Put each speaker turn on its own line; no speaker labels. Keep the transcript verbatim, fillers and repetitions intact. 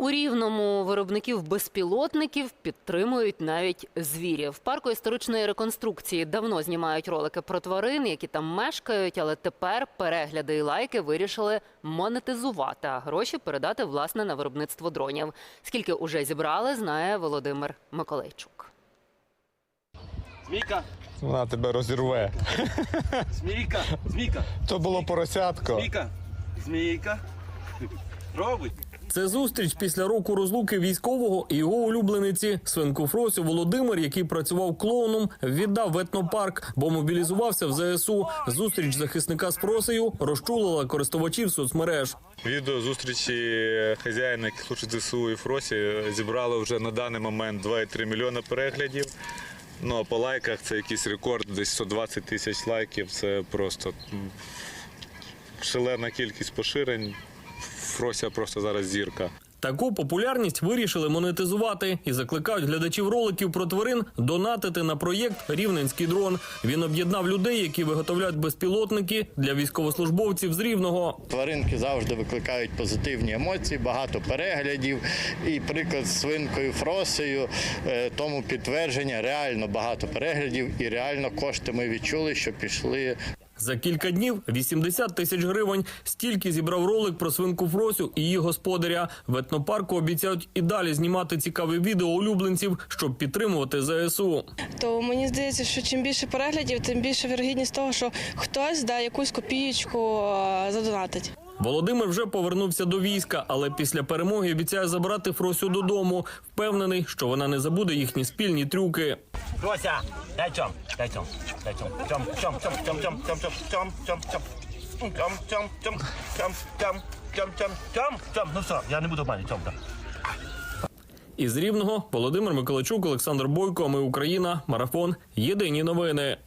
У Рівному виробників безпілотників підтримують навіть звірів. В парку історичної реконструкції давно знімають ролики про тварин, які там мешкають, але тепер перегляди і лайки вирішили монетизувати, а гроші передати, власне, на виробництво дронів. Скільки уже зібрали, знає Володимир Миколайчук.
Змійка!
Вона тебе розірве.
Змійка! Змійка!
То було поросятко.
Змійка! Змійка! Робить!
Це зустріч після року розлуки військового і його улюблениці. Свинку Фросю Володимир, який працював клоуном, віддав в етнопарк, бо мобілізувався в зе ес у. Зустріч захисника з Фросею розчулила користувачів соцмереж.
Відео зустрічі хазяїна, який служить зе ес у і Фросі, зібрало вже на даний момент два і три мільйони переглядів. Ну, а по лайках це якийсь рекорд, десь сто двадцять тисяч лайків. Це просто шалена кількість поширень. Фрося просто зараз зірка.
Таку популярність вирішили монетизувати і закликають глядачів роликів про тварин донатити на проєкт «Рівненський дрон». Він об'єднав людей, які виготовляють безпілотники для військовослужбовців з Рівного.
Тваринки завжди викликають позитивні емоції, багато переглядів. І приклад з свинкою Фросею тому підтвердження, реально багато переглядів і реально кошти ми відчули, що пішли.
За кілька днів вісімдесят тисяч гривень. Стільки зібрав ролик про свинку Фросю і її господаря. В етнопарку обіцяють і далі знімати цікаві відео улюбленців, щоб підтримувати зе ес у.
То мені здається, що чим більше переглядів, тим більше вірогідність того, що хтось да, якусь копієчку задонатить.
Володимир вже повернувся до війська, але після перемоги обіцяє забрати Фросю додому. Впевнений, що вона не забуде їхні спільні трюки.
Фрося! Дай чом! Дай чом! Дай чом! Чом! Чом! Чом! Чом! Чом! Чом! Чом! Чом! Чом! Чом! Чом! Чом! Чом! Чом! Чом! Чом! Чом! Чом! Чом! Ну все, я не буду обманювати. Чом!
Із Рівного Володимир Миколайчук, Олександр Бойко. Ми Україна. Марафон. Єдині новини.